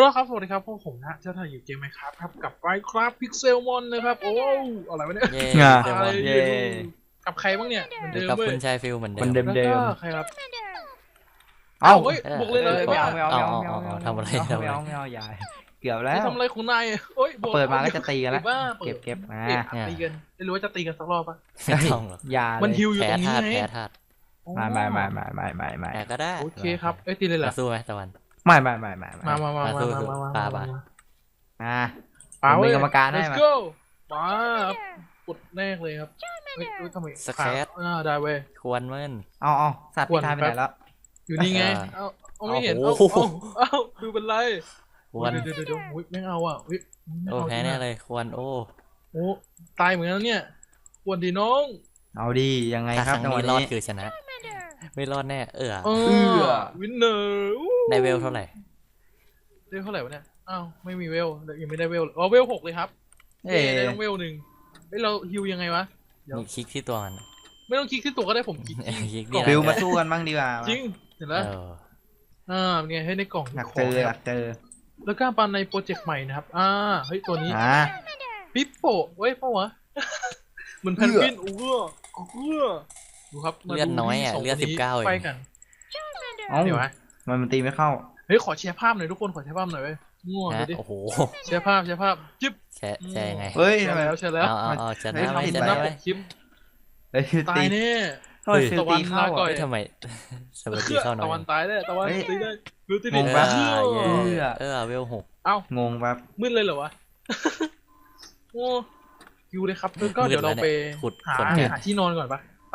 ครับสวัสดีครับพวกผมนะเจ้าถ่ายอยู่เกมไหมครับกับ Minecraft Pixelmon นะครับโอ้อะไรวะเนี่ยเย่เดมอะไรอนอเย่ยู่กับใครบ้างเนี่ยเหมือนอยู่เดิมกับเว้คุยณชายฟิลเหมือนคนเดิมแล้วเดิก็มใครครับเอ้าเฮ้ยบวกเลยเลยไม่เอาไม่ไม่เอาไม่เอาเอาไม่เอาไม่เอาทำอะไรไม่ทำอะไรเอาไม่เอาอย่าเกือบแล้นี่วทำอะไรของนายโอ้ยบวกเปิดมาก็จะตีกันแล้วบ้าเก็บมาตีกันไม่รู้ว่าจะตีกันสักรอบปะไม่ต้องหรอกอย่ามันเลยฮิวอยู่แพ้ตรงนี้ธาตุไงแพ้ธาตุไม่แต่ก็ได้โอเคครับเอ้ยตีเลยเหรอมาสู้ไหมตะวันไม่มาสู้ ปาผมเป็นกรรมการให้ let's มา go มากดแรกเลยครับเฮ้ยทำไมสแครตได้เว้ยควรเมื่นเอาสัตว์พิธายไปไหนแล้วอยู่นี่ไง เอาไม่เห็นโอ้เอาโหเอาดูเป็นไรควรเดี๋ยวอุ๊ยไม่เอาอ่ะอุ๊ยไม่โอ้เอาแพ้แน่เลยควรโอ้โอ้ตายเหมือนกันแล้วเนี่ยควรดีน้องเอาดียังไงถ้าคครับ รั้งจังหวะนี้รอดนี้คือชนะ ไม่รอดแน่วินเนอร์ได้เวลเท่าไหร่ได้เท่าไหร่วะเนี่ยอ้าวไม่มีเวลยังไม่ได้เวลเวล6เลยครับเอ้ได้ต้องเวล1เฮ้ยเราฮิวยังไงวะ เดี๋ยวมีคลิกที่ตัวมันไม่ต้องคลิกที่ตัวก็ได้ผมคลิกคลิกที่นี่กล่องฟิวมาสู้กันบ้างดีกว่าจริงเห็นแล้ว เป็นไงให้ในกล่องอยากขเจองอนะอคยารับกเจอแล้วก็ปันในโปรเจกต์ใหม่นะครับเฮ้ยตัวนี้ ปิปโป้เว้ยเปล่าวะ เหมือนแพนกวินดูครับเลือดน้อยอ่ะเลือด19เอไปงกันเอ้าเดี๋ยววะมันตีไม่เข้าเฮ้ยขอแชร์ภาพหน่อยทุกคนขอแชร์ภาพหน่อยเว้ยง่วงฮะดูดิโอ้โหแชร์ภาพจิ๊บแชร์ยังไงเฮ้ยแชทำร์ไมแล้วแชร์แล้วเอาชเฮ้นะยไหมผิดชหนะน้าไหปมกคลิปเฮ้ยตายแน่เฮ้ยตะวันตีเข้าลาก่อนเฮ้ยทำไมสวัสดีเข้าหน่ตะวัอน ยตายได้ตะวันเฮ้ยตีได้ดูตีงดิงเอปะเวล6 เอ้างงแบบมืดเลยเหรอวะโอ้คิวเลยครับแล้วก็เดี๋ยวเราไปขุดหาขนแกะที่นอนก่อนปะไป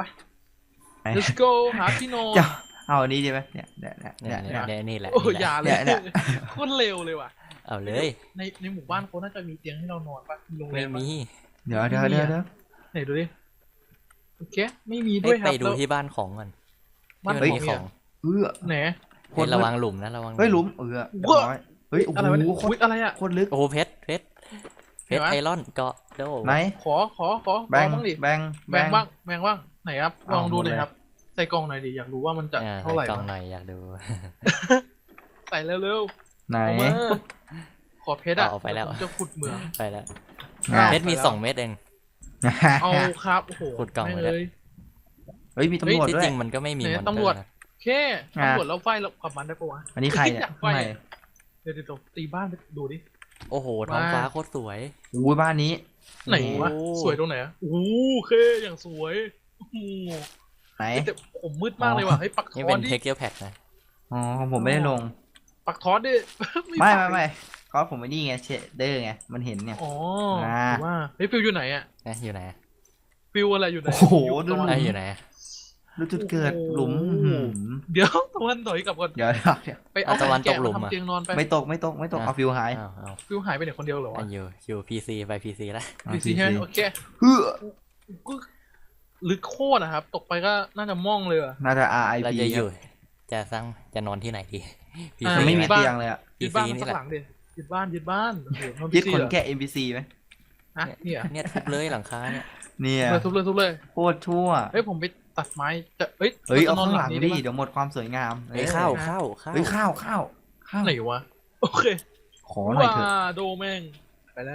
let's go หาที่นอนจะเอาอันนี้ดีไหมเนี่ยนี่แหละโอ้อย่าเลยเนี่ยโคตรเร็วเลยว่ะเอาเลยในหมู่บ้านเขาน่าจะมีเตียงให้เรานอนปะมีโรงแรไม่มปะมีเดี๋ยวไหนดูดิโอเคไม่มีด้วยคไปรับดูที่บ้านของก่อนบ้านที่ขมัองมีเนี่ขยองไหนโคเฮ้ยตรระวังหลุมนะระวังเฮ้ยหลุมเร้อยเฮ้ยโอ้อะไรวะเนี่ยโหอุ๊ยอะไรอะโคตรลึกโอ้โหเพชรไอรอนเกาะโดไหนขอแบงบ้างดิแบงแบงบ้างไหนครับลองดูหน่อยหมดเลยครับ ใส่กล่องหน่อยดิอยากรู้ว่ามันจะเท่าไหร่กล่องหน่อยอยากดูใส่เร็วไหนๆเอามาขอเพชรอะเอาไปแล้วผมจะขุดเหมืองไปแล้วอ่ะเพชรมี2 เม็ดเองเอาครับโอ้โหขุดกล่องไม่ไว้แล้วเลยเฮ้ยมีตำรวจที่ด้วจยริงมันก็ไม่มีไหนมอนตำรวจเตอนะโอเคตำรวจแล้วไฟเรากลับมันได้ปะวะอันนี้ใครเนี่ยอยากไฟข้างในเดี๋ยวตีบ้านไปดูดิโอ้โหท้องฟ้าโคตรสวยอู้บ้านนี้ไหนวะโอ้สวยตรงไหนอะโอ้โหโอเคอย่างสวยโอ้โหไหนแต่ผมมืดมากเลยว่ะเฮ้ยปักนี่ทอเป็สนดิเทคเกียร์แพ็กนะอ๋อของผมไม่ได้ลงปักทอสดิไม่ปักไม่ก็ผมไม่นี่ไงเชเดอร์ไงมันเห็นเนี่ยอ๋ออ่าถือว่าเฮ้ยฟิวอยู่ไหนอะอยู่ไหนฟิวอะไรอยู่ไหนโอ้โหยู่ดูตะวันอยู่ไหนรู้จุดเกิดโอ้โหหลุมเดี๋ยวตะวันถอยกลับก่อนเดี๋ยวไปเอาตะวันแกะตกหลุมมาอะทำเตียงนอนไปไม่ตกเอาฟิวหายเอาฟิวหายไปไหนคนเดียวเหรอวะอยู่พีซีไปพีซีแล้วพีซีใช่ไหมโอเคเฮ้อก็ลึกโคตรนะครับ ตกไปก็น่าจะม่องเลยอะน่าจะ RIP เราจะอยู่จะนอนที่ไหนดีพีอ่าซีไม่มีบ้านเตียงเลยอ่ะยึดบ้านนี่สักแหละหลังดิยึดบ้านโอ้โหทำยึด PC ขนเหรอแกะ NPC ไหมอ่ะเนี่ยเนี่ยทุบเลยหลังคาเนี่ยเนี่ยทุบเลยโคตรชั่วเฮ้ยผมไปตัดไม้จะเฮ้ยเฮ้ยเอารจะนอนข้างหลังนี้ดิไปะเดี๋ยวหมดความสวยงามเฮ้ยเข้าเฮ้ยข้าวไหนวะโอเคขอหน่อยเถอะว้าโดแม่งไปแล้ว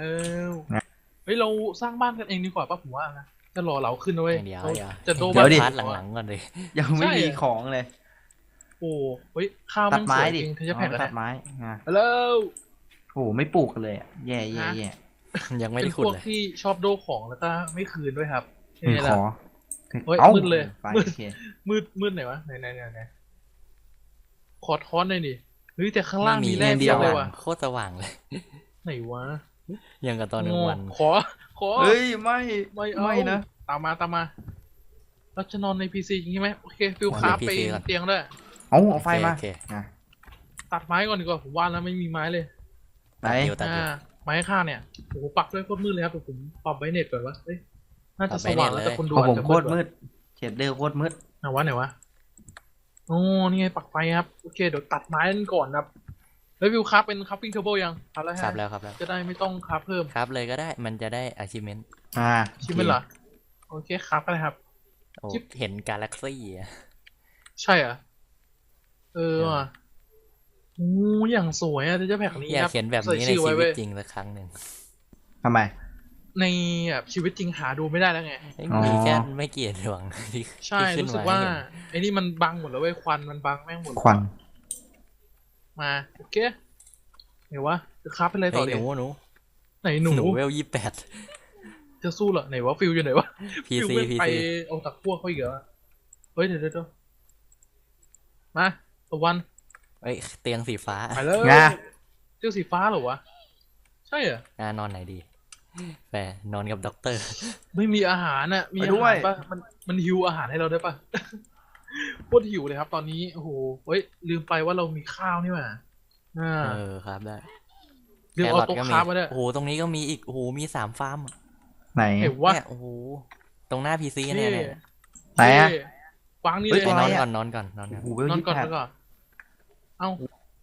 นะเฮ้ยเราสร้างบ้านกันเองดีกว่าป่ะผมว่านะจะรอเราขึ้นนะเว้ยเดี๋ยวเขาเดี๋ยวจะโดเดี๋ยวดิพาร์ทหลังๆก่อนเลยยังไม่มีของเลยโอ้เฮ้ยข้าวตัมัดนสไม้วยดิจริงเธอจะแพ็กตัแล้ดวไม้อ่ะแล้วโอ้โหไม่ปลูกกันเลยอะแย่ยังไม่เป็ได้นขุดพวกเลยที่ชอบโดของแล้วก็ไม่คืนด้วยครับขอนี่แหละ เฮ้ยเอ้ามืดเลยไปมืดโอเคมืดไหนวะไหนขอท้อนหน่อยดิเฮ้ยแต่ข้างล่างไม่มีมีแร่เดีเดียยว วเลยว่ะโคตรสว่างเลยไหนวะยังกับตอนกลางวันขอเฮ้ยไม่ไม่เอาไม่นะตามมาเราจะนอนในพีซีจริงไหมโอเคฟิลคราฟไปเตียงด้วยเอาไฟมาโอเคอ่ะตัดไม้ก่อนดีกว่าผมว่าแล้วไม่มีไม้เลยไหนตัดอยู่ไม้ข้างเนี่ยโอ้โหปักด้วยโคตรมืดเลยครับแต่ผมปรับไว้เน็ตก่อนวะเฮ้ยน่าจะสว่างแล้วแต่คนดูของอาผจมจะโคตรมืดเชดเดอร์โคตรมืดไหนวะโอ้นี่ไงปักไฟครับโอเคเดี๋ยวตัดไม้กันก่อนครับแล้ววิวคราฟเป็นคราฟปิ้งเทเบิลยังครับแล้วครับฮะแล้วครับแล้วจะได้ไม่ต้องคราฟเพิ่มครับเลยก็ได้มันจะได้ achievement ชิมเป็นเหรอโอเคครับก็ได้ครับโอ้จิ๊บเห็นกาแล็กซี่อะใช่เหรอว่ะโอ้อย่างสวยอะเทเจอร์แพ็กนี้อยาคกรับเขียนแบบนี้ในใส่ชื่อชีไว้วิตเว้ยจริงสักครั้งหนึ่งทำไมในแบบชีวิตจริงหาดูไม่ได้แล้วไงเอ้ยอ๋อมีแค่ไม่กี่ดวงที่ใช่ที่ขึ้นรู้สึกมาว่าให้เห็นไอ้นี่มันบังหมดแล้วเว้ยควันมันบังแม่งหมดควันมาโอเคเดี๋ยววะจะคับไปเลยเฮ้ต่อยหเดี๋นูยวหนูไหนหนูหนูเวล28 จะสู้เหรอไหนวะฟิลอยู่ไหนวะ ฟิล PC ไม่ไป PC เอาตะกั่วเขาอีกเหรอเฮ้ยเดี๋ยวมาตะวันเอ้ยเตียงสีฟ้าไปเลยไงเจ้าสีฟ้าเหรอวะใช่เหรอนอนไหนดีแฟนอนกับด็อกเตอร์ไม่มีอาหารน่ะมีไปอาด้วหาย รปะมันหิวอาหารให้เราได้ปะ โคตรหิวเลยครับ ตอนนี้โอ้โหเฮ้ยลืมไปว่าเรามีข้าวนี่หว่าอ่าครับได้ลืมเอาโต๊ะก็ค้ามาด้วยโอ้โหตรงนี้ก็มีอีกโอ้โหมี3 ฟาร์มไหนเห็นว่าเนี่ยโอ้โหตรงหน้า PC เนี่ยเนี่ยไหนอะวางนี่เฮ้เลย ยตัวนอะไรอนอะก่อนนอนก่อนนอนโอ้ก่อนโหเวลนอนยี่ก่อนแปนดอนก่อนเอ้าน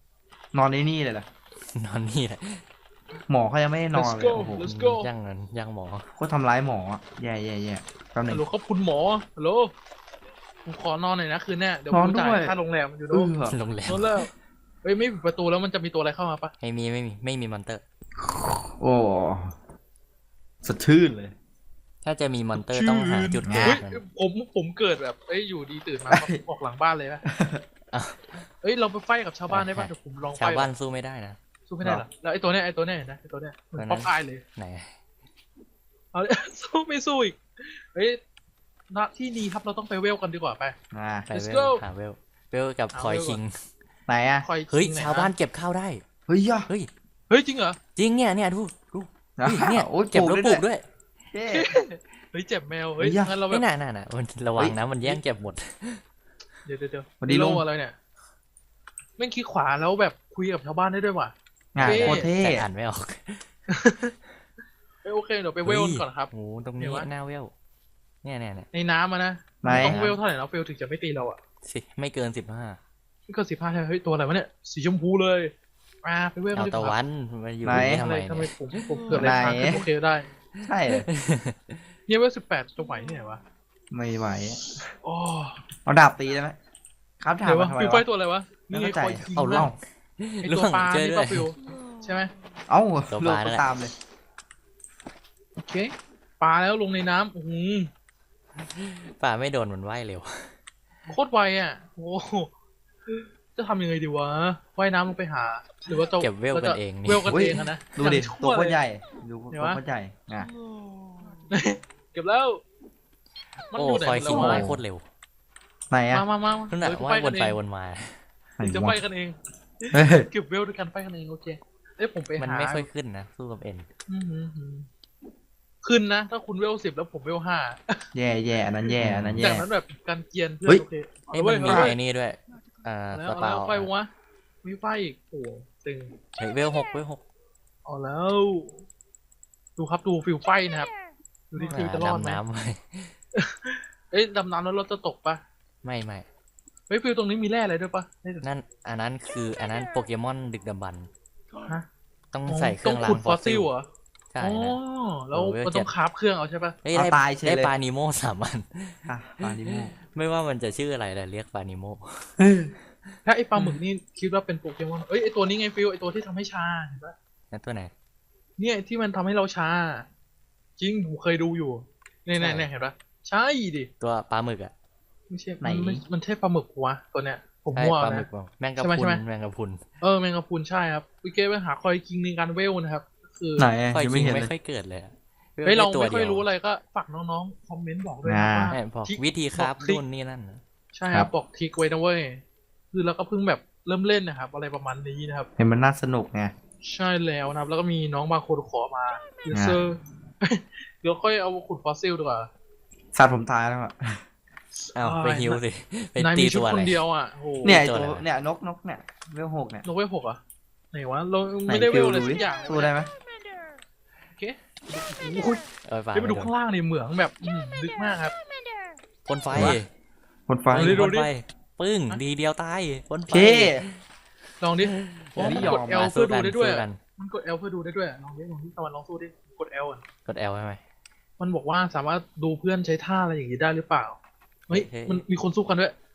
อนในนี่เลยเหรอนอนนี่แหละหมอเขายังไม่ได้นอน let's เลย go โอ้โห let's go ย่างเงินย่างหมอโคตรทำร้ายหมออะแย่แย่แย่แป๊บหนึฮังลโหลครับคุณหมอฮัลโหลผมขอนอนหน่อยนะคืนเนี้ยเดี๋ยวนอผนมจ่ายด้วยค่าโรงแรมอยู่เอนู้นอโรงแรมนอนแล้วเฮ้ยไม่ปิดประตูแล้วมันจะมีตัวอะไรเข้ามาปะไม่มีมอนเตอร์โอ้สดชื่นเลยถ้าจะมีมอนเตอร์ต้องหาจุดเกิเฮ้ดยมันผมเกิดแบบเอ้ยอยู่ดีตื่นมา ออกหลังบ้านเลยปะอ้าวเอ้ยเราไปไฟกับชาวบ้านได้ปะเดี๋ยวผมลองไฟชาวบ้านสู้ไม่ได้นะสู้ไม่ได้เหรอแล้วไอ้ตัวเนี้ยนะไอ้ตัวเนี้ยมันตัวนั้นป๊อปอายเลยไหนเอา สู้ไม่สู้อีกเฮ้ยณที่นี้ครับเราต้องไปเวลกันดีกว่าไปอ่าไป Let's เว go ลหาเวลกับหาคอยเวลคิงไหนอะคอยเฮ้ยชิงหน่อชาวบ้านเก็บข้าวได้เฮ้ยย่ะเฮ้ยเฮ้ยจริงเหรอจริงเนี่ยดูเฮ้ยเนี่ยโอ้ยเก็บแล้วปลูกด้วยด้วยเท่เฮ้ยเจ็บแมวเฮ้ยเฮ้ยงั้นเราแบไม่บน่ามันระวังนะมันแย่งเก็บหมดเดี๋ยวสวัสดีลุงโอะไรเนี่ยแม่งคลิกขวาแล้วแบบคุยกับชาวบ้านได้ด้วยว่ะงานเท่โคตรเท่แต่อ่านไม่ออกเอ้ยโอเคเดี๋ยวไปเวลก่อนครับโอ้โหตรงนี้เดี๋ยววะหน้าเวลเนี่ยในน้ำอะนะไหนต้องเวลเท่าไหร่นะเวลถึงจะไม่ตีเราอ่ะสิไม่เกินไม่เกิน15ใช่ไหมเฮ้ยตัวอะไรวะเนี่ยสีชมพูเลยมาไปเวล 15 เอาดีกตะว่าวันมาอยู่ไหนนี่ทำทำไมไมทำไมเนี่ยผมเกิดอะไรค้างขึ้นโอเคได้ใช่เลยเนี่ยเวล18จะไหวที่ไหนวะไม่ไหวอ๋อเอาดาบตีได้ไหมครับถามเดี๋ยววะมาทำไมฟิวไฟวะตัวอะไรวะนี่ไงไม่เข้าใจคอยคิงเอาล่วงไอตัวปลาช่วยนี่ด้วปะยฟิวใช่ไหมเอ้าตัวลูปกลานั่ก็นแหละตามเลยโอเคปลาแล้วลงในน้ำโอ้โหป่าไม่โดนมันว่ายเร็วโคตรไวอ่ะโอ้โหจะทำยังไงดีวะว่ายน้ำลงไปหา หรือว่าจะเก็บเวลกันเองนี่เวลกันเองอะนะดูดิอย่างชั่ตัวโคตรเลยใหญ่ดูเดี๋ตัยว วะโคตรใหญ่อ่ะเก็บแล้ว มันโอ้อยู่ไหนคอยหมดคิงแล้วว่ายวะโคตรเร็วไหนอะมานั่นแหละเดี๋ยวว่ายวนกัไปเองวนมาไหนจะวะไปกันเองเฮ้ยเก็บเวลด้วยกันไปกันเองโอเคเอ้ยผมไปมันหาไม่ค่อยขึ้นนะสู้กับเอ็นอื้อหือขึ้นนะ ถ้าคุณเวล10แล้วผมเวล5 แย่แย่อันนั้นแย่อันนั้นจาแย่กนั้นแบบการเกียนเพื่อเฮ้นยโอเคเอ้ยเอามันเว้มียไอ้นี่ด้วยแล้วสเอาปาแล้ววไฟวะมีไฟอีกโอ้ตึงเฮ้ยเวล6 เอาแล้ว ดูครับดูฟิลไฟนะครับดูที่ฟิลจะรอดไหมดำน้ำไว้เอ้ยดำน้ำแล้วเราจะตกปะไม่เฮ้ยฟิลตรงนี้มีแร่อะไรด้วยปะได้แต่นั่นอันนั้นโปเกมอนดึกดำบรรพ์ฮะต้องใส่เครื่องต้ล้าขุงดฟฟออสสซิซิลลเหรอใช่อ๋อนะแล้วโอ้เวลมันต้องคราฟเครื่องเอาใช่ปะเฮ้ยเอาได้ตายเฉยได้เลยปลานิโม3 อันอ่ะปลาดิโมไม่ว่ามันจะชื่ออะไรแต่เรียกปลานิโมถ้าไอปลาหมึกนี่คิดว่าเป็นโปเกมอนเอ้ยไอตัวนี้ไงฟิลไอตัวที่ทำให้ชาเห็นปะนั่นตัวไหนเนี่ยที่มันทำให้เราชา จริงผมเคยดูอยู่เนี่ยใช่เห็นปะใช่ดิตัวปลาหมึกอ่ะไม่ใช่มันใช่ปลาหมึกวะตัวเนี้ยผมใช่มั่วปลาหมึนะกเปล่าแมงกะใช่ไหมพรุนใช่ไหมแมงกะพรุนแมงกะพรุนใช่ครับวิเกตไปหาคอยคิงในการเวลนะครับคือไหนคอยยังคิไม่งเห็นไม่เลยค่อยเกิดเลยอะเฮ้ยเราด้ตัวไม่ค่อยดีวรู้อะไรก็ฝากน้องๆคอมเมนต์บอกด้วยนะอ่าว่าใช่บอกทริควิธีครับบอกทริคนู่นนี่นั่นนะใช่คครัรับบ บอกทริกไว้นะเว้ยคือเราก็เพิ่งแบบเริ่มเล่นนะครับ อะไรประมาณนี้นะครับเห็นมันน่าสนุกไงใช่แล้วนะครับ แล้วก็มีน้องบางคนขอมายูเซอร์ เดี๋ยวค่อยเอาขุดฟอสซิลดีกว่าสัตว์ผมตายแล้วอ่ะอ้าวไปฮิวสิไปนายตีมีชุดตัวอะคไรนเดียวอ่ะโหเนี่ยไอ้ตัวตัวอะไรวะเนี่ยนกเนี่ยเวล6เนี่ยเราเวล6อ่ะไหนวะเราไหนไม่ได้เวฟิลลอะไรดูสัดิกอย่างสู้ได้ไหมโอเคโอ้ยปลาเดี๋ยวไปดูไม่โดนข้างล่างในเหมืองแบบลึกมากครับพ่นไฟคนไฟเอาดิพ่นไฟปึ้งดีเดียวตายพ่นไฟเคลองดิเดี๋ยวนี้มันยกอดม L มาเพื่อดูสู้กันได้ด้วยสู้กันมันกด L เพื่อดูได้ด้วยลองดิตะวันลองสู้ดิกด L อ่ะกด L ใช่ไหมมันบอกว่าสามารถดูเพื่อนใช้ท่าอะไรอย่างนี้ได้หรือเปล่า เฮ้ยเฮ้ยมันมีคนสู้กันด้วย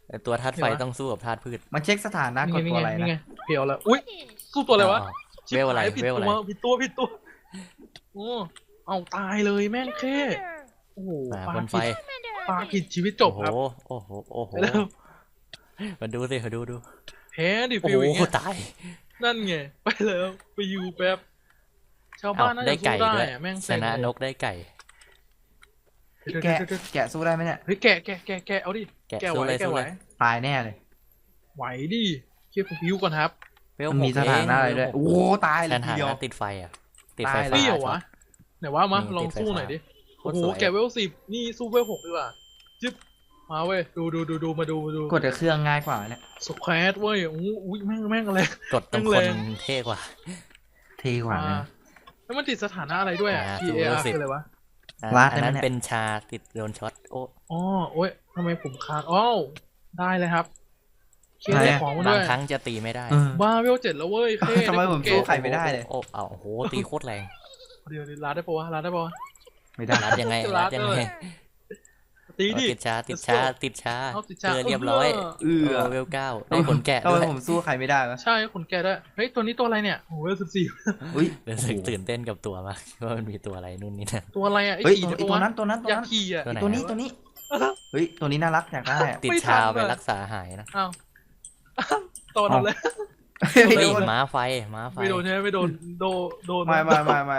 แต่ตัวธาตุไฟต้องสู้กับธาตุพืชมันเช็คสถานะกดนี่ตัวไงอะไรนี่นะไงเพียวแล้วอุ้ยสู้ตัวอะไรวะอ้าวเวลอะไรผิดเวลอะไรตัวผิดตัวโอ้เอาตายเลยแม่งแค่โอ้โหบนไฟปลาผิดชีวิตจบโอ้ครับโหโอ้โหโอ้โหแล้วมาดูสิมาดูแพ้ดิโอ้ฟิวอย่างโหเงี้ยตายนั่นไงไปแล้วไปอยู่แป๊บชาวบ้านน่าได้จะไก่สู้ได้ด้วยอะแม่งชเซ็งนะเลยนกได้ไก่เดี๋ยวแกะเดี๋ยวแกะสู้ได้ไหมเนี่ยเฮ้ยแกะเอาดิแกะแกะสู้ไหวเลยแกะสู้ไหวเลยตายแน่เลยไหวดิเคียบฟิวก่อนครับเวลมันหมีกสถานะอะไรเงด้วยเวลหกโอ้โหตายเลสยทีถาเดียวนะติดไฟอ่ะติดไฟตายเลยฟ้านี่เหรอช็อวะตไหนว่ามานี่ลองติดไฟสู้หน่อยฟ้าดิโคโอ้ตรโหสวยแกะเวล10นี่สู้เวล6ดีกว่าจิ๊บมาเว้ยดูมาดูกดแต่เครื่องง่ายกว่าเนี่ยสแควตเว้ยโอ้โหแม่งอะไรกดตรงแรคนงเท่กว่าเท่กว่านะแล้วมันติดสถานะอะไรด้วยอ่ะสู้ PAR 10 คืออะไรวะลาดอันนั้นได้ไหมเนี่ยเป็นชาติดโดนช็อตโอ้อ๋อโอ้ยทำไมผมค้างอ้าวได้เลยครับเคไหนได้อะของมาบาด้งวยครั้งจะตีไม่ได้เออบ้าเวล7แล้วเว้ยเคทำไมผมสู้ใครไม่ได้เลยโอ้เอาโอ้โหตีโคตรแรงเดี๋ยวลาดได้ปะวะลาดได้ปะวะไม่ได้รัดยังไงรัดยังไงตีดิติดชาติด Let's ชา go ติดชาเอาติดชาเจอเรียบร้อยเออเวลเก้าได้ขนแกะทำด้ไมวยผมสู้ใครไม่ได้วะใช่ขนแกะด้วยเฮ้ยตัวนี้ตัวอะไรเนี่ยโอ้โหเวล14 อุ้ยรู้สึกตื่นเต้นกับตัวมากว่ามันมีตัวอะไรนู่นนี่นั่นตัวอะไรอ่ะไอ้เฮ้ยขี่ไอ้ได้ปะตัววะนั้นตัวนั้นตัวอยากนั้นขี่อ่ะตัวไหนตัวนี้เฮ้ยตัวนี้น่ารักอยากได้อะติดไม่ชาทันไปอะรักษาหายนะอ้าวตอนนั้นเลยไม่เฮ้ยโดนม้าไฟม้าไฟไม่โดนใช่ไหมไม่โดนโดนไม่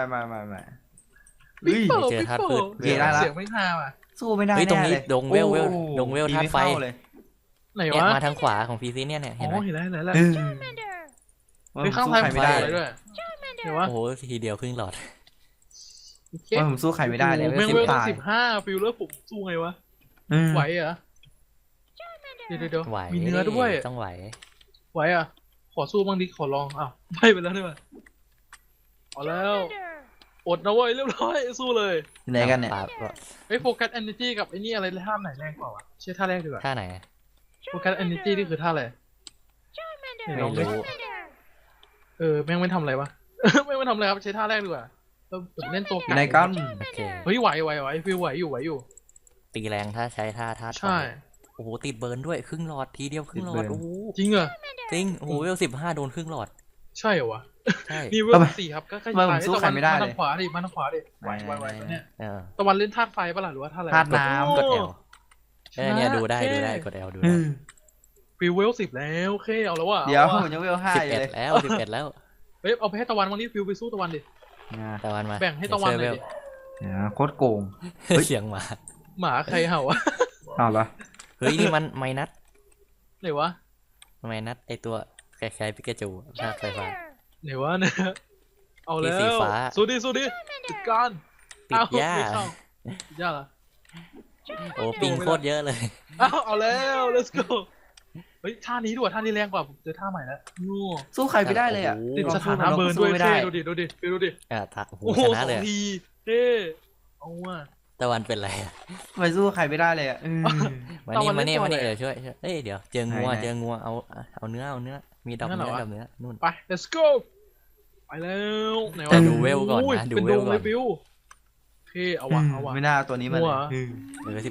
เฮ้ยเจอธาตุพืชเจอได้ละเสียงไม่ฮาอ่ะสู้ไม่ได้เฮ้ยตรงแน่นี้เลยดงเวลโอ้ดงเวลตีธาตุม่ไฟเข้เลยไหนเนี่ยวะมาทางขวาของพีซีเนี่ยเห็นไหมอ๋อเห็นแล้วเห็นแล้วเออไปข้างสู้ทางใครไม่ไฟได้อะไรเลยด้วยไหนวะโอ้โหทีเดียวครึ่งหลอดโอเคว่าผมสู้ใครไม่ได้เลยโอ้โหแม่งเวลตาย 15ฟิลเลอร์ผมสู้ไงวะเออไหวเหรอเดี๋ยวไหวมีเนื้อด้วยต้องไหวไหวอ่ะขอสู้บ้างดิขอลองอ้าวไปแล้วด้วยเอาแล้วอดนะเว้ยเรียบร้อยสู้เลยอยู่ไหนกันเนี่ยเฮ้ยโฟกัสเอเนจีกับไอ้นี่อะไรท่าไหนแรงกว่าวะใช่ท่าแรกดีกว่าท่าไหนโฟกัสเอเนจีนี่คือท่าอะไรเดี๋ยวลองดิไม่รู้แม่งไม่ทำอะไรวะ แม่งไม่ทำอะไรครับใช้ท่าแรกดีกว่าผมเล่นตัวอยู่ไหนกันโอเคเฮ้ยไหวฟิลไหวอยู่ตีแรงถ้าใช้ท่าธาตุไฟใช่โอ้โหติดเบิร์นด้วยครึ่งหลอดทีเดียวครึ่งหลอดโอ้โหจริงเหรอจริงโอ้โหเวล15โดนครึ่งหลอดใช่เหรอวะใช่นี่เวล4ครับก็ใกล้ทำไมผมสู้ใครไม่ได้เลยทางขวาดิมาทางขวาดิไหวเนี่ยเออตะวันเล่นธาตุไฟปะล่ะหรือว่าธาตุอะไรธาตุน้ำกด L ชนะเนี่ยดูได้เท่ดูได้กด L ดูเอได้อฟิลเวล10แล้วโอเคเอาแล้วว่ะเดี๋ยวอาผว่ะมยังเวล5 สิบอยู่เอ็ดเลยแล้ว11แล้วเฮ้ยเอาไปให้ตะวันวันนี้ฟิลไปสู้ตะวันดิตะวันมาแบ่งให้ตะวันหน่อยดิโคตรโกง เฮ้ยเสียงหมาหมาใครเห่าวะเอาละเฮ้ยนี่มันไมนัสไหนวะไมนัสไอตัวคล้ายๆปิกาจูภาคไฟฟ้าไหนวะเนี่ยเอาแล้สีวฟ้าสู้ดิจัดการติดหญ้าเอ้ติดหญ้าเหรอโอ้ปิงโคตรเยอะเลยเอาแล้ว let's go เฮ้ยท่านี้ด้วยท่านี้แรงกว่าผมเจอท่าใหม่แล้วนู่สู้ใครไม่ได้เลยอ่ะโอ้โหติดสถานะเบิร์นสู้ด้วยไม่ได้เท่ดูดิฟิลดูดิโอ้โหโอ้โหชนะสเลอย งอะทีเท่เอาว่ะตะวันเป็นไรอะทำไมสู้ใครไม่ได้เลยอ่ะเออมาตะนี่วันมานี่เล่นตัวมานี่อะไรเดี๋ยวช่วยเอ้ยเดี๋ยวเจองัวไหนๆเจองัวเอาเนื้อมีดอกนั่นเหรเนื้ออวะดอกเนื้อนู่นไป let's go ไปแล้วไหนเอวะอดูเวลก่อนนะโยดูเป็นเวลดงก่อนเลยฟิวโอเคเอาว่ะไม่น่าเอาตัวนี้มางัเลวยเออ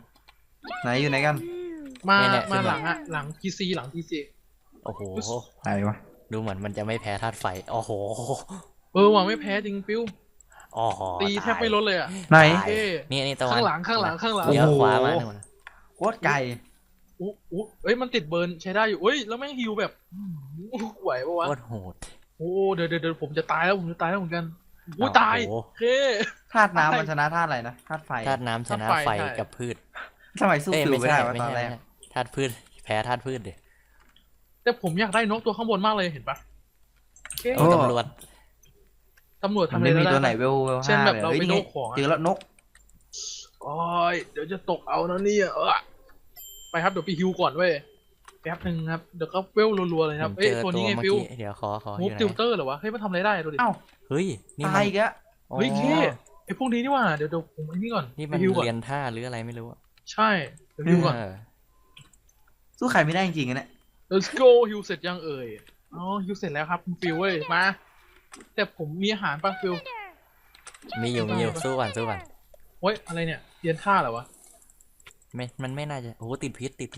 12 ไหนอยู่ไหนกันมาเนี่ยมาขึ้นหมาลังอะหลัง PC หลัง PC โอ้โหไหนวะดูเหมือนมันจะไม่แพ้ธาตุไฟโอ้โหว่ะไม่แพ้จริงฟิวอ๋อตีแทบไม่ลดเลยอะไหนตายนี่ตะวันข้างหลังเลี้ยวโอ้โหขวามาหนึ่งโคตรไกลอู้เอ้ยมันติดเบิร์นใช้ได้อยู่เอ้ยแล้วแม่งฮิวแบบไหวปะวะโคตรโหดโอ้เดี๋ยวผมจะตายแล้วเหมือนกันอู้ตายโอ้โหโอเคธาตุน้ำมันชนะธาตุอะไรนะธาตุไฟธาตุน้ำชนะธาตุไฟไฟใช่กับพืชทำไมสู้เอ้ยฟิวไม่ไม่ใช่ได้วะไม่ตอนใช่แรกธาตุพืชแพ้ธาตุพืชดิแต่ผมอยากได้นกตัวข้างบนมากเลยเห็นปะโอเคโอ้ตำรวจตำรวจมันทำอะไรไม่มีแล้วตัวไหนได้เวลเช่น 5 แบบเลยเราเฮ้ยไปนี่โดไงนของอะเจอแล้วนกโอ้ยเดี๋ยวจะตกเอานะเนี่ยไปครับเดี๋ยวไปฮิวก่อนเว้ยแป๊บนึงครับเดี๋ยวก็เวลรัวๆเลยครับผมเอ้ยเจอตัวตัวนี้ไงเมื่อฟิวกี้เดี๋ยวขอมูอฟยู่ไหนติวเตอร์เหรอวะเฮ้ยมันทำอะไรได้ดูดิเอ้าเฮ้ยนี่ตามัยนอีกแล้วเฮ้ยอ๋อเท่ไอพวกนี้นี่ว่าเดี๋ยวผมไอ้นี่ก่อนนี่ไปมันฮิวก่อนเรียนท่าหรืออะไรไม่รู้อะใช่เดี๋ยวฮิวก่อนเออสู้ใครไม่ได้จริงๆอะเนี่ย let's go ฮิวเสร็จยังเอ่ยอ๋อฮิวเสร็จแล้วครับคุณฟิวเว้ยมาแต่ผมมีอาหารป่ะฟิวมีอยู่สู้ก่อนเฮ้ยอะไรเนี่ยเรียนท่าเหรอวะมันไม่น่าจะโอ้โหติดพิษ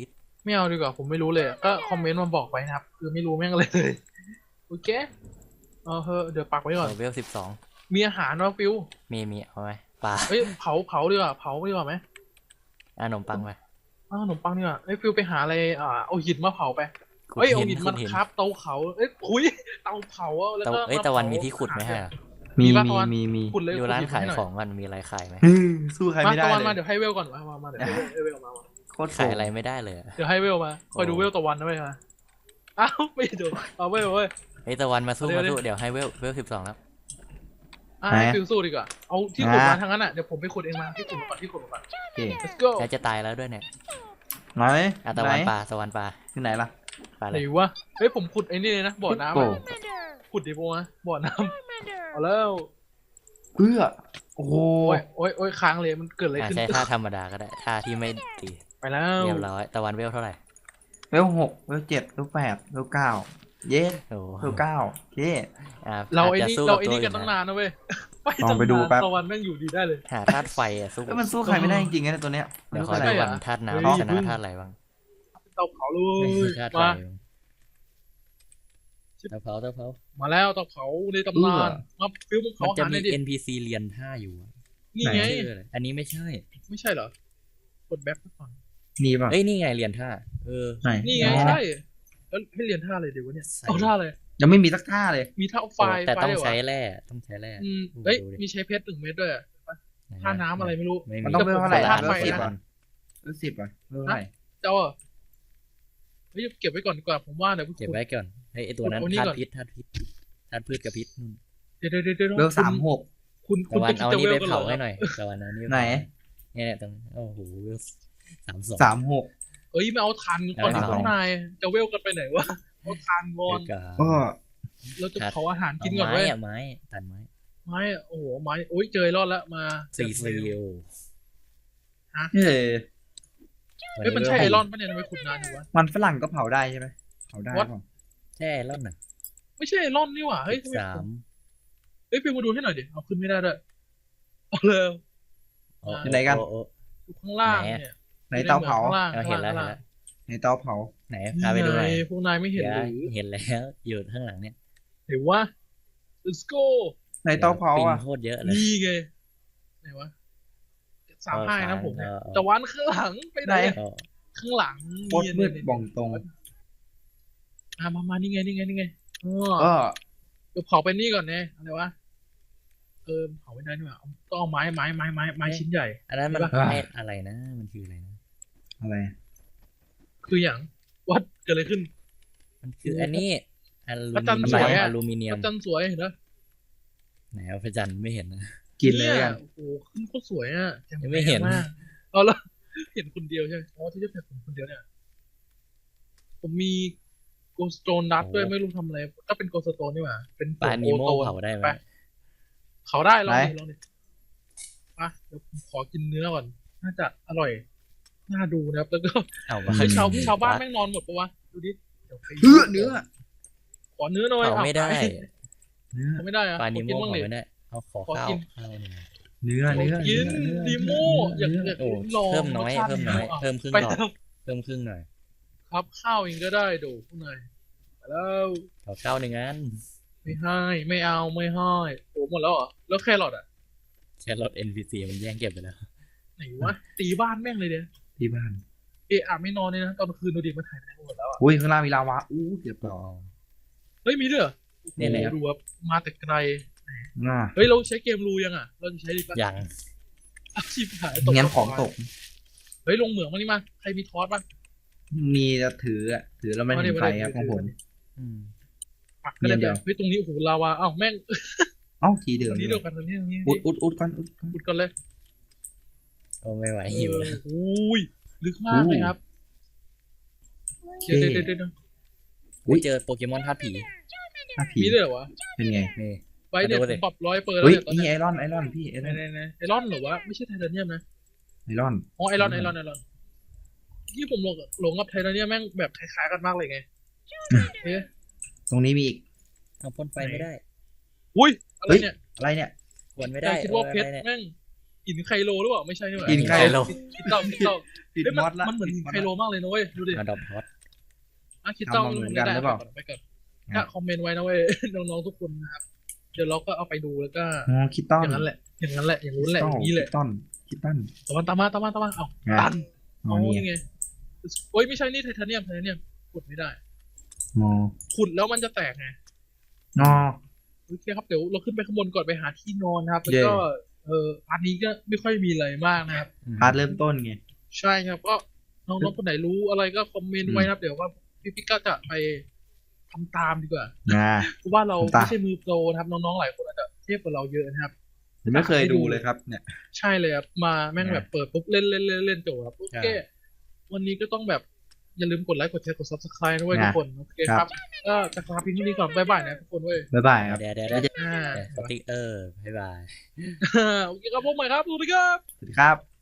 ไม่เอาดีกว่าผมไม่รู้เลยก็คอมเมนต์มาบอกไว้นะครับคือไม่รู้แม่งอะไรเลยโอเคเดี๋ยวปักไว้ก่อนเวล12 มีอาหารวะฟิวมีเอาไหมปลาเอ้ยเผาดีกว่าเผาดีกว่าไหมขนมปังไปขนมปังดีกว่าเอ้ยฟิวไปหาอะไรเอาหินมาเผาไปขุดเอ้ยเอาหิหินนขุมาดหินครับเตาเผาเอ้ยคุยเตาเผาแล้วก็ตะวันมีที่ขุดไหมฮะมีปะมีตะวันมีขุดเลยอยู่ร้านขุดหิขายให้หน่ของมันมีอะไรขายไหมสู้ใครมาไม่ได้ตะวันเลมาย เดี๋ยวให้เวลก่อนมาเดี๋ยวให้เวลมาโคตรขายโกงอะไรไม่ได้เลยอะเดี๋ยวให้เวลมาคอยดูเวลตะวันนะเว้ยมาอ้าวไม่ดูเอาเว้ยเฮ้ยตะวันมาสู้เดี๋ยวมาสู้เดี๋ยวให้เวล12แล้วให้ฟิวสู้ดีกว่าเอาที่ขุดมาทางนั้นอ่ะเดี๋ยวผมไปขุดเองมาที่ขุดก่อนโอเค let's go แล้วจะตายแล้วด้วยเนี่ยไหนตะไหนวันปลาตะวันปลาที่ไหนล่ะปลาอะไหไรนวะเฮ้ยผมขุดไอ้นี่เลยนะบ่อน้ำโกอะขุดดิโบนะบ่อน้ำเอาแล้วเพื่อโอ้โหโอ้ยค้างเลยมันเกิดอะไรขึ้นใช้ท่าธรรมดาก็ได้ท่าที่ไม่ตีไปแล้วเรียบร้อยตะวันเวลเท่าไหร่เวล6เวล7เวล8เวล9เย้โอ้เวล9โอเคเราไอ้จะนี่สู้เราบไอ้นี่กันตัวตั้งอื่นานนะเว้ยลองไปดูแป๊บตะวันแม่งอยู่ดีได้เลยหาธาตุไฟอะสู้แล้วมันสู้ใครไม่ได้จริงๆนะตัวเนี้ยเดี๋ยวขอมันดูสู้ก่ใครอนธาตุเฮ้ยน้ำชนะธาตุอะไรบ้างเตาเผาเลไม่ยใช่ธาตุไฟมาเตาเผาเตาเผามาแล้วเตาเผาในตำนานมาฟิวมึงมันเผาจะหาหมีน่อยดิ NPC เรียนท่าอยู่อะนี่ไงชื่ออะไรอันนี้ไม่ใช่ไม่ใช่เหรอกดแบ็คก่อนมีป่ะเอ้ยนี่ไงเรียนท่าไหนนี่ไงอ๋อใช่แล้วให้เรียนท่าอะไรเดี๋ยววะเนี่ยใส่เอาท่าอะไรยังไม่มีสักท่าเลยมีท่าไฟแต่ต้องไฟใช้เหรอแร่ต้องใช้แร่เอ้ยดูดิมีใช้เพชร1 เม็ดด้วยอะไหะท่าน้ำอะไรไม่รู้ไม่มันมีต้องเวลเท่าไหร่แต่ล่ะผมเวลใส่ 10 ธาตุไฟอ่ะเวล10อ่ะเวลเท่าไหร่เจ้าอะเฮ้ยเก็บไว้ก่อนดีกว่าผมว่าเดี๋ยวเก็บไว้ก่อนเฮ้ยไอตัวนั้นเอานี่ธาก่ตุอนพิษธาตุพิษธาตุพืชกับพิษนู่นเดี๋ยวเวล36 คุณตะวันจะเอาคิดนี่ไปจะเผาเวลให้กันหน่อยตะวันเอานี่ปไหนเนี่ยตรงโอ้โหเวล32 36 เอ้ยไม่เอาทานก่อนเอาข้างในจะเวลกันไปไหนวะเอาทานก่อนเดี๋ยวก็เราจะเผาอาหารกิกินนก่อนเว้ยไม้ตัดไม้ไม้โอ้โหไม้โอ้ยเจอรอดแล้วมาซีโอเฮ้ยเฮ้ยมันใช่ไอรอนปะเนี่ยทำไมขุดนานอยู่วะมันฝรั่งก็เผาได้ใช่ไหมเผาได้ What? ป่ะใช่รอดน่ะไม่ใช่ไอรอนนี่หว่าเฮ้ยทำไม 13 เฮ้ยฟิวมาดูให้หน่อยดิเอาขึ้นไม่ได้ด้วยเอาเลยอยู่ไหนกันอยู่ข้างล่างเนี่ยในเตาเผาข้างล่างเอาเห็นแล้วข้างเห็นล่างแล้วในเตาเผาไหนพาไปดูหน่อยพวกนายไม่เห็นหรือเห็นแล้วอยู่ข้างหลังเนี่ยเห็นว่า let's go ในเตาเผาปิงอ่ะโคตรเยอะเลยนี่ไงไหนวะ35นะผมเนี่ยตะวันข้างหลังไปไหนก็ข้างหลังโคตรมืดบ่องตรงมานี่ไงอ๋อก็เดี๋ยวเผาไปนี่ก่อนเนี่ยอะไรวะเผาไม่ได้นี่หว่าต้องเอาไม้ชิ้นใหญ่อันนั้นมันใช่ปะไม่อะไรนะ มันคืออะไรนะอะไรคืออย่างวัดเกิดอะไรขึ้นมันคืออันนี้อลูพระจันทร์มิสเนีวย ยมอะอลูมิเนียพมระจันทร์สวยเห็นปะไหนเอาพระจันทร์ไม่เห็นนะกินเลยกันโอ้โหขึ้นโคตรสวยอ่ะยังไม่เห็นมากเอาละเห็นคนเดียวใช่ไหมอ๋อที่จะเห็นผมคนเดียวเนี่ย ผมมีโกสโตนนัดด้วยไม่รู้ทำอะไรก็เป็นโกสโตนนี่หว่าเป็นปลานีโมโตนเผาได้ไหมปเขาได้ลองดิอ่ะเดี๋ยวผมขอกินเนื้อก่อนน่าจะอร่อยน่าดูนะครับแล้วก็เอาไปเฮ้ยชาวบ้านแม่งนอนหมดปะวะดูดิเดี๋ยวไปเนื้อขอเนื้อหน่อยเผาไม่ได้เนื้อเขาไม่ได้อะปลาขนีอโมกินบ้างเผาดิไม่ได้เอาขอขอข้าวกินข้าวหนึ่งเนื้อขอกินดีโมอยากโอ้ลองเพิ่มน้อยรสชาติเพิ่มน้อยะเพิ่มครึ่งไปหลอดแล้วเพิ่มครึ่งหน่อยครับข้าวเองก็ได้ดูพวกนายไปแล้วขอข้าวหนึ่งอันไม่ให้ไม่เอาไม่ให้โอ้หมดแล้วเหรอแล้วแครอทอ่ะแค่รถ NPC มันแย่งเก็บไปแล้วไหนวะตีบ้านแม่งเลยเดียที่บ้านไม่นอนเลยนะตอนคืนดูดิมันถ่ายไปไหนหมดแล้วอ่ะอุ้ยข้างล่างมีลาวาเกือบตอ๋กอเฮ้ยมีด้วยเหรอเนี่ยโอ้โหดูแบบมาแต่ไกลน่าเฮ้ยเราใช้เกมรูยังอ่ะเราจะใช้ดิปะยังอาชีพหายงั้นของตกเฮ้ยลงเหมืองมานี่มาใครมีทอสป่ะมีจะถืออ่ะถือแล้วมันเห็นไฟครับของผมอืมปักก็ได้เดี๋ยวเฮ้ยตรงนี้โอ้โหลาวาอ้าวแม่งเอ้าทีเดิตมรงนี้เดียวกันตรงนี้อุดก่อนอุดก่อนพูดกันเลยโอ้ไม่ไหวหิวแล้วโอ้ยลึกมากเลยครับเดี๋ยวอุ๊ยเจอโปเกมอนธาตุผีถ้าผีมีด้วยเหรอวะเป็นไงนี่ไปเนี่ยมาดูผสิมปรับ100เปอร์แล้วเฮ้ยเนี่ยตอนนี่นี้ไอรอนพี่ไอรอนไหนไอรอนเหรอวะไม่ใช่ไทเทเนียมนะไอรอนอ๋อไอรอนที่ผมหลงกับไทเทเนียมแม่งแบบคล้ายๆกันมากเลยไงเอ๊ะตรงนี้มีอีกเอาพ่นไฟไม่ได้อุ้ยอะไรเนี่ยอะไรเนี่ยควรไม่ใจได้คิดว่าเพชรอะไรเนี่ยแม่งหินไคโลหรือเปล่าไม่ใช่นี่หว่าหินไคโลคิดเต้าติดเฮ้ยมอดละมันเหมือนหินไคโลมากเลยนะเว้ยดูดิมาดอมฮอตคิดเต้าทำมาเหมือนกันหรือเปล่าไปก่อนถ้าคอมเมนต์ไว้นะเว้ย น้องๆทุกคนนะครับเดี๋ยวเราก็เอาไปดูแล้วก็อ๋อคิตตันอย่างนั้นแหละอย่างนู้นแหละอย่างนี้แหละคิตตันตามมาเอ้าอ่ะตันอ๋อโอ้นี่นี่ไงโอ้ยไม่ใช่นี่ไทเทเนียมขุดไม่ได้อ๋อขุดแล้วมันจะแตกไงอ๋อโอเคครับเดี๋ยวเราขึ้นไปข้างบนก่อนไปหาที่นอนนะครับแล้วก็เย่อันนี้ก็ไม่ค่อยมีอะไรมากนะครับพาร์ทเริ่มต้นไงใช่ครับก็น้องๆคนไหนรู้อะไรก็คอมเมนต์ไว้นะครับเดี๋ยวว่าพี่ก็จะไปทำตามดีกว่าอ่าเพราะว่าเราทำตามไม่ใช่มือโปรนะครับน้องๆหลายคนอาจจะเทียบกับเราเยอะนะครับผมไม่เคยดูเลยครับเนี่ยใช่เลยครับมาแม่งแบบเปิดปุ๊บเล่นจบครับโอเควันนี้ก็ต้องแบบอย่าลืมกดไลค์กดแชร์กด subscribe ด้วยทุกคนโอเคครับก็จะลาพี่ที่นี่ก่อนบ๊ายบายนะทุกคนเว้ยบ๊ายบายครับเดี๋ยวอ่าสติ๊กเกอร์บ๊ายบายโอเคครับพบใหม่ครับสวัสดีครับสวัสดีครับ